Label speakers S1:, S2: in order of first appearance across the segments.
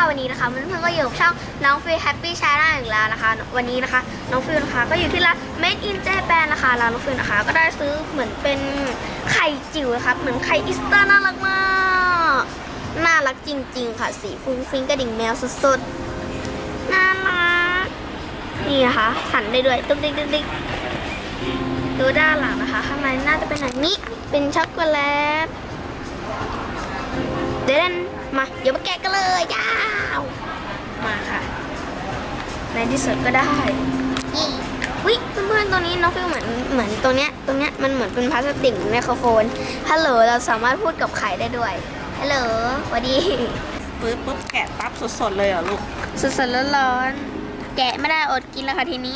S1: วันนี้นะคะเพื่อนๆก็อยู่กับช่องน้องฟิลแฮปปี้ชาแนลอีกแล้วนะคะวันนี้นะคะน้องฟิลนะคะก็อยู่ที่ร้าน Made in Japan นะคะร้านน้องฟิลนะคะก็ได้ซื้อเหมือนเป็นไข่จิ๋วนะคะเหมือนไข่อีสเตอร์น่ารักมากน่ารักจริงๆค่ะสีฟุ้งฟิ้งกระดิ่งแมวสุดๆน่ารักนี่นะคะสั่นได้ด้วยตุ๊กติ๊กตุ๊กติ๊กดูด้านหลังนะคะข้างในน่าจะเป็นแบบนี้เป็นช็อกโกแลตเดี๋ยวมาเดี๋ยวมาแกะกันเลยยาวมาค่ะในที่สุดก็ได้วิเพื่อนๆตัวนี้น้องฟิลเหมือนตรงเนี้ยมันเหมือนเป็นพลาสติกไมโครโฟนฮัลโหลเราสามารถพูดกับไข่ได้ด้วยฮัลโหลสวัสดี
S2: ปุ๊บแกะปั๊บสดๆเลยเหรอลูก
S1: สดๆร้อนๆแกะไม่ได้อดกินแล้วค่ะทีนี้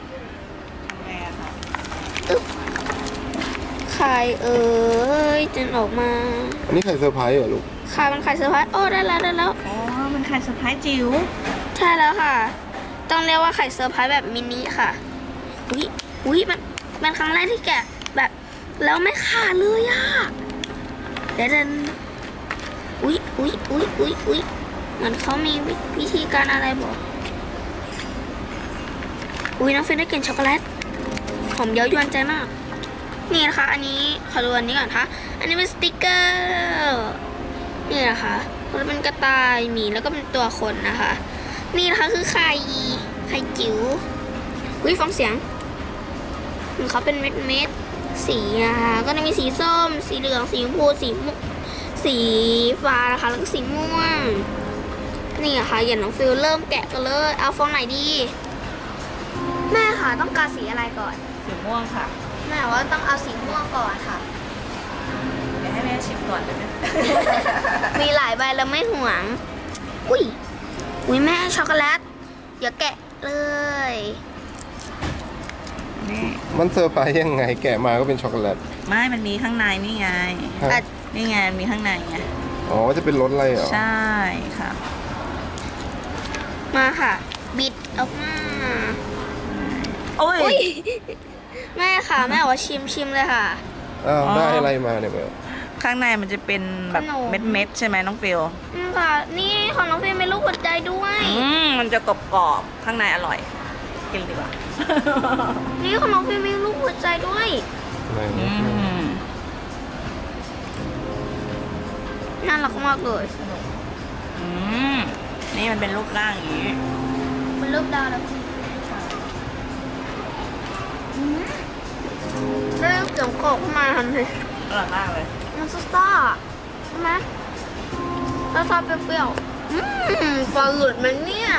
S1: ไข่จนออกมา
S3: อันนี้ไข่เซอร์ไพรส์เหรอลูก
S1: ไข่มันไข่เซอร์ไพรส์โอ้ได้แล้ว
S2: อ๋อมันไข่เซอร์ไพรส์จิ๋ว
S1: ใช่แล้วค่ะต้องเรียกว่าไข่เซอร์ไพรส์แบบมินิค่ะอุ้ยมันครั้งแรกที่แกะแบบแล้วไม่ขาดเลยอ่ะเดี๋ยวอุ้ยเหมือนเขามีวิธีการอะไรบอกน้องฟิลได้กลิ่นช็อกโกแลตหอมเย้ายวนใจมากนี่นะคะอันนี้ขอดูอันนี้ก่อนค่ะอันนี้เป็นสติกเกอร์นี่นะคะมันเป็นกระต่ายหมีแล้วก็เป็นตัวคนนะคะนี่นะคะคือไข่จิ๋วฟังเสียงมันเขาเป็นเม็ดสีนะคะก็จะมีสีส้มสีเหลืองสีชมพูสีฟ้านะคะแล้วก็สีม่วงนี่ค่ะอย่างน้องฟิลเริ่มแกะกันเลยเอาฟองไหนดีแม่ค่ะต้องการสีอะไรก่อน
S2: สีม่วงค่ะ
S1: แม่ว่าต้องเอาสีม่วงก่อนค่ะ
S2: เดี๋ยวให้แม่ชิมก่อนได้ไหม
S1: มีหลายใบแล้วไม่ห่วงอุ้ยแม่ช็อกโกแลตอย่าแกะเลย
S3: มันเซอร์ไพรส์ยังไงแกะมาก็เป็นช็อกโกแลต
S2: ไม่มันมีข้างในนี่ไงนี่ไงมีข้างในไง
S3: อ๋อจะเป็นรสอะไรเหรอ
S2: ใช่ค่ะ
S1: มาค่ะบิดออกมา
S2: โอ้ย
S1: แม่ค่ะแม่ว่าชิมเลยค่ะ
S3: ได้อะไรมาเนี่ยแบบ
S2: ข้างในมันจะเป็นแบบเม็ดใช่ไหมน้องฟิล
S1: ค่ะนี่ของน้องฟิลมีลูกหัวใจด้วย
S2: มันจะกรอบข้างในอร่อยกินดีกว่า
S1: นี่ของน้องฟิลมีลูกหัวใจด้วยน่ารักมากเลย
S2: นี่มันเป็นรูปร่างอย่างนี้
S1: เป็นรูปดาวแล้วได้เสียงกรอบขึ้นมาทันที
S2: อร่อยมากเลย
S1: มันซ่าใช่ไหมซ่าเปรี้ยวปลาหลุดมันเนี่ย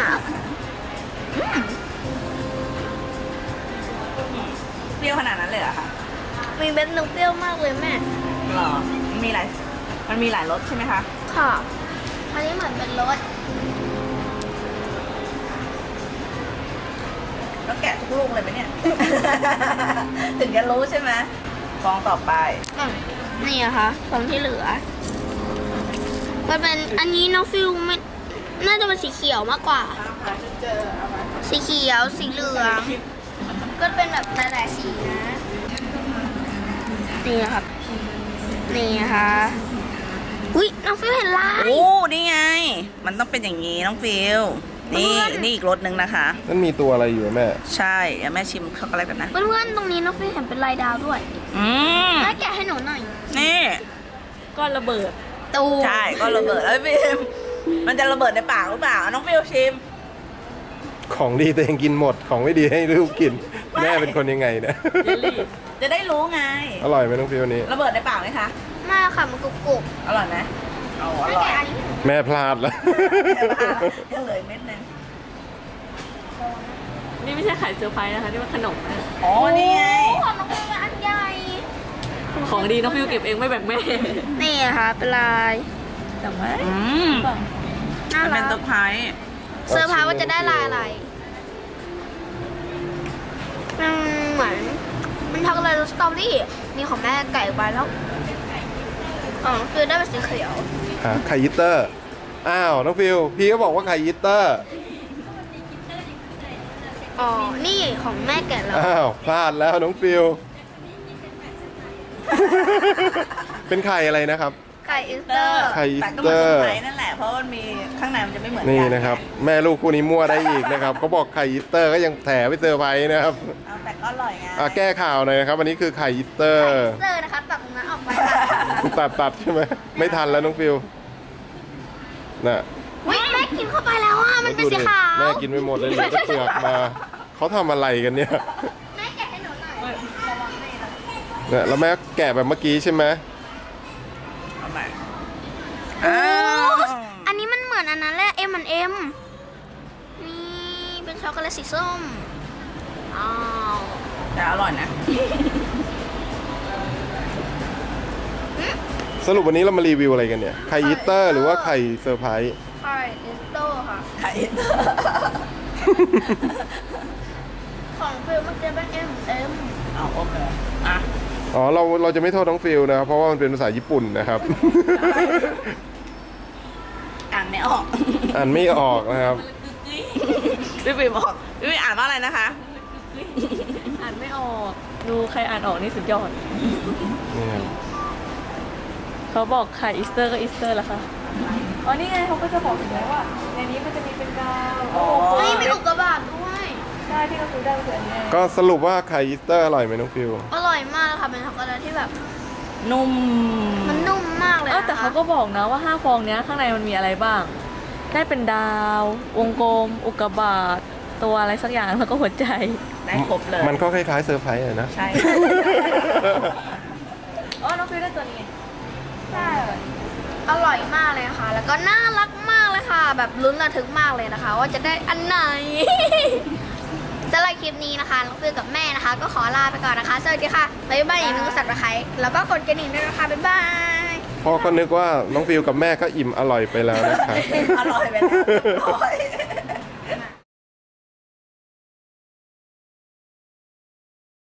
S2: เปรี้ยวขนาดนั้นเลยเหรอคะ
S1: มีเม็ดนึงเปรี้ยวมากเลยแม่
S2: หรอมันมีหลายรสใช่ไหมคะ
S1: ค่ะอันนี้เหมือนเป็นรส
S2: แล้วแกะทุกลูกเลยไหมเนี่ย ถึงจะรู้ใช่ไหมฟองต่อไป
S1: นี่นะคะฟองที่เหลือมันเป็นอันนี้น้องฟิลมันน่าจะเป็นสีเขียวมากกว่าสีเขียวสีเหลืองก็เป็นแบบหลายๆสีนะนี่ครับนี่นะคะน้องฟิลเห็นลาย
S2: โอ้นี่ไงมันต้องเป็นอย่างนี้น้องฟิลนี่อีกรสหนึ่งนะคะ
S3: นั่นมีตัวอะไรอยู่แม่
S2: ใช่เดี๋ยวแม่ชิมช็อกโกแลตกันนะ
S1: เพื่อนๆตรงนี้น้องฟิลเห็นเป็นลายดาวด้วยแม่แกะให้หนูหน่อย
S2: นี่ก้อนระเบิด
S1: ตู
S2: ใช่ก้อนระเบิดแล้วฟิลมันจะระเบิดในปากหรือเปล่าน้องฟิลชิม
S3: ของดีตัวเองกินหมดของไม่ดีให้ลูกกินแม่เป็นคนยังไงเนี่ย
S2: จะได้รู้ไง
S3: อร่อยไหมน้องฟิลนี้
S2: ระเบิดในปากไหมคะ
S1: ไม่ค่ะมันกรุบ
S2: อร่อยไหมอร่อย
S3: แม่พลาดแล้ว
S2: ยังเหลือเม็ดนึง
S4: นี่ไม่ใช่ไข่เซอร์ไพรส์นะคะนี่มันขนมนะ
S2: อ๋อนี่ไง
S1: ของน้องฟิลอันใหญ่
S4: ของดีน้องฟิลเก็บเองไม่แบ่งแม่
S1: นี่ค่ะเป็นลาย
S2: แต่ว่ามันเป็นเซอร์ไพร
S1: ส์ว่าจะได้ลายอะไรเหมือนมันช็อกโกแลตสตรอเบอรี่นี่ของแม่ไก่ไปแล้วคือได้เป็นสีเขียว
S3: ไข่ยิตเตอร์อ้าวน้องฟิลพี่ก็บอกว่าไข่ยิตเตอร์
S1: นี่ของแม่แกะแล้ว
S3: อ้าวพลาดแล้วน้องฟิลเป็นไข่อะไรนะครับ
S1: ไข่อีสเตอร์
S3: ไข่อีส
S2: แต่ก็
S3: เต
S2: มา
S3: อ
S2: เซอ
S3: ร์
S2: ร์ไพรส์นั่นแหละเพราะมันมีข้างในมันจะไม่เหมือนกั
S3: นี่นะครับ แม่ลูกคู่นี้มั่วได้อีกนะครับเขาบอกไข่อีสเตอร์ก็ยังแถไปเซอร์ไพรส์นะครับ
S2: เอาแต่ก็อร่อยไง
S3: แก้ข่าวหน่อยนะครับวันนี้คือไข่อีสเตอร์
S1: อีสเตอร์นะคะตัดตรงนั้นออกไปค่ะ
S3: ตัดใช่ไหมไม่ทันแล้วน้องฟิวน่ะ
S1: อุ๊ยแม่กินเข้าไปแล้วอ่ะมันเป็นสีขาว
S3: แม่กินไปหมดเลยเหลือแต่เปลือกมาเขาทำอะไรกันเนี่ย
S1: แม่แกะให้หนูหน่อยระวังแม่นะ
S3: เนี่ยแล้วแม่แกะแบบเมื่อกี้ใช่ไหม
S2: เอาใหม่
S1: โอ้อันนี้มันเหมือนอันนั้นแหละ M&M นี่เป็นช็อกโกแลตสีส้มอ้าว
S2: แต่อร่อยนะ
S3: สรุปวันนี้เรามารีวิวอะไรกันเนี่ยไข่อีสเตอร์หรือว่าไข่เซอร์ไพรส์
S1: ไข่อีสเตอร์ค่ะ
S2: ไข่
S1: ของฟิลมันจะเป็น M&M
S2: เอาโอเคอ่ะ
S3: อ๋อเราจะไม่โทษน้องฟิลนะครับเพราะว่ามันเป็นภาษาญี่ปุ่นนะครับ
S2: อ่านไม่ออก
S3: อ่านไม่ออกนะครับ
S2: พี่ปีบอกพี่ปีอ่านว่าอะไรนะคะ
S4: อ่านไม่ออก ดูใครอ่านออกนี่สุดยอด
S3: นี่ครับ
S4: เขาบอกไข่อีสเตอร์ก็อีสเตอร์แล้วค่ะอ๋อนี่ไงเขาก็จะบอกถึงแล้วว่าในนี้มันจะมีเป็นดาว
S2: อ๋อ
S1: เฮ้ยมีอุกกาบาตด้วย
S4: ใช่ที่เราซื้อได้ก็คืออันนี้
S3: ก็สรุปว่าไข่อีสเตอร์อร่อยไหมน้องฟิล
S1: อร่อยมากเลยค่ะเป็นช็อกโกแลตที่แบบ
S2: นุ่ม
S1: มันนุ่มมากเลยนะคะ
S4: แต่เขาก็บอกนะว่า5ฟองเนี้ยข้างในมันมีอะไรบ้าง ได้เป็นดาว วงกลม อุกกาบาตตัวอะไรสักอย่างแล้วก็หัวใจ
S2: ได้ครบเลย
S3: มันก็คล้ายๆเซอร์ไพรส์อะนะ
S2: ใช่
S4: อ๋อ น้องฟิวได้ตัวนี้
S1: ใช่อร่อยมากเลยค่ะ แล้วก็น่ารักมากเลยค่ะ แบบลุ้นระทึกมากเลยนะคะ ว่าจะได้อันไหน สำหรับคลิปนี้นะคะน้องฟิลกับแม่นะคะ ก็ขอลาไปก่อนนะคะ สวัสดีค่ะ บ๊ายบายอย่าลืมกด Subscribe แล้วก็กดกระดิ่งด้วยนะคะ บ๊ายบาย
S3: พ่อก็นึกว่าน้องฟิลกับแม่ก็อิ่มอร่อยไปแล้วนะครับ
S2: อร่อยไปแล้ว